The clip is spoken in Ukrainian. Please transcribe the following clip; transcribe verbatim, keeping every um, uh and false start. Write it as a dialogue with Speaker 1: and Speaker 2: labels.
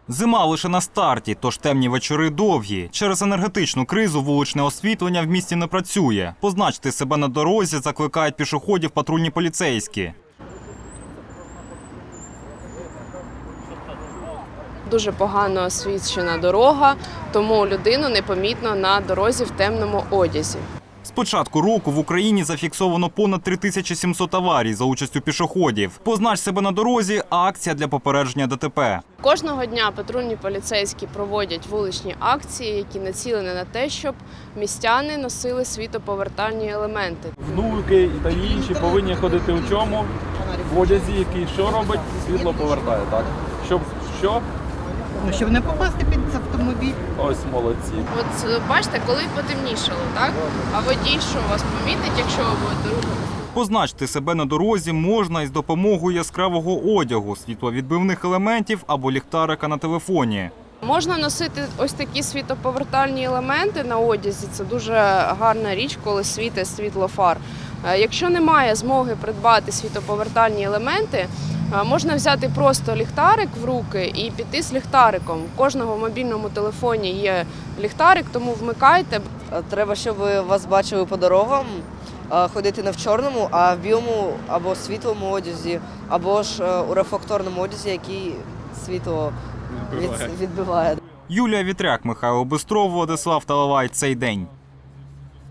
Speaker 1: Зима лише на старті, тож темні вечори довгі. Через енергетичну кризу вуличне освітлення в місті не працює. Позначити себе на дорозі закликають пішоходів патрульні поліцейські.
Speaker 2: Дуже погано освітлена дорога, тому людину непомітно на дорозі в темному одязі.
Speaker 1: З початку року в Україні зафіксовано понад три тисячі сімсот аварій за участю пішоходів. Познач себе на дорозі – акція для попередження ДТП.
Speaker 2: Кожного дня патрульні поліцейські проводять вуличні акції, які націлені на те, щоб містяни носили світлоповертальні елементи.
Speaker 3: Внуки та інші повинні ходити у чому? В одязі, який що робить? Світло повертає, так? Щоб що?
Speaker 4: Ну, щоб не попасти під автомобіль.
Speaker 3: Ось молодці.
Speaker 2: От бачите, коли потемнішало, так? А водій що вас помітить, якщо ви будете рухатися?
Speaker 1: Позначити себе на дорозі можна із допомогою яскравого одягу, світловідбивних елементів або ліхтарика на телефоні.
Speaker 2: Можна носити ось такі світлоповертальні елементи на одязі. Це дуже гарна річ, коли світить світло фар. Якщо немає змоги придбати світлоповертальні елементи, можна взяти просто ліхтарик в руки і піти з ліхтариком. У кожного в мобільному телефоні є ліхтарик, тому вмикайте.
Speaker 5: Треба, щоб вас бачили по дорогам, ходити не в чорному, а в білому або світлому одязі, або ж у рефлекторному одязі, який світло відбиває.
Speaker 1: Юлія Вітряк, Михайло Бистров, Владислав Талалай. Цей день.